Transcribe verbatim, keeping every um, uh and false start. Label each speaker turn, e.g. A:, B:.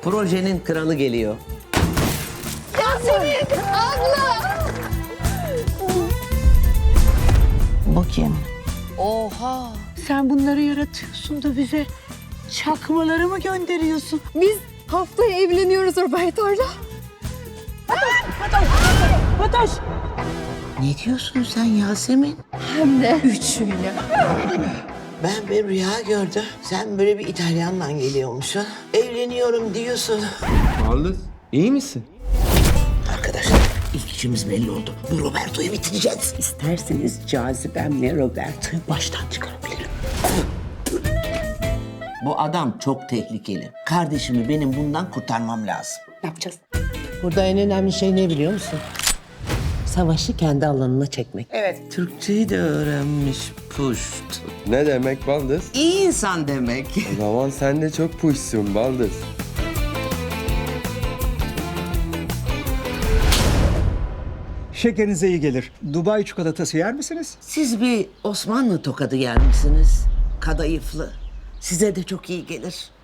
A: Projenin kralı geliyor.
B: Yasemin abla.
A: Bu kim?
B: Oha.
C: Sen bunları yaratıyorsun da bize çakmaları mı gönderiyorsun?
B: Biz haftaya evleniyoruz Roberto'yla.
C: Fatoş!
A: Ne diyorsun sen Yasemin?
B: Hem de üçüyle.
A: Ben bir rüya gördüm. Sen böyle bir İtalyanla geliyormuşsun. Evleniyorum diyorsun.
D: Baldız, iyi misin?
A: Arkadaşlar ilk işimiz belli oldu. Bu Roberto'yu bitireceğiz.
C: İsterseniz cazibemle Roberto'yu baştan çıkarabilirim.
A: Bu adam çok tehlikeli. Kardeşimi benim bundan kurtarmam lazım.
C: Ne yapacağız?
E: Burada en önemli şey ne biliyor musun? Savaşı kendi alanına çekmek.
C: Evet.
A: Türkçeyi de öğrenmiş puşt.
D: Ne demek Baldız?
A: İyi insan demek.
D: O zaman sen de çok puşsun Baldız.
F: Şekerinize iyi gelir. Dubai çikolatası yer misiniz?
A: Siz bir Osmanlı tokadı yer misiniz? Kadayıflı. Size de çok iyi gelir.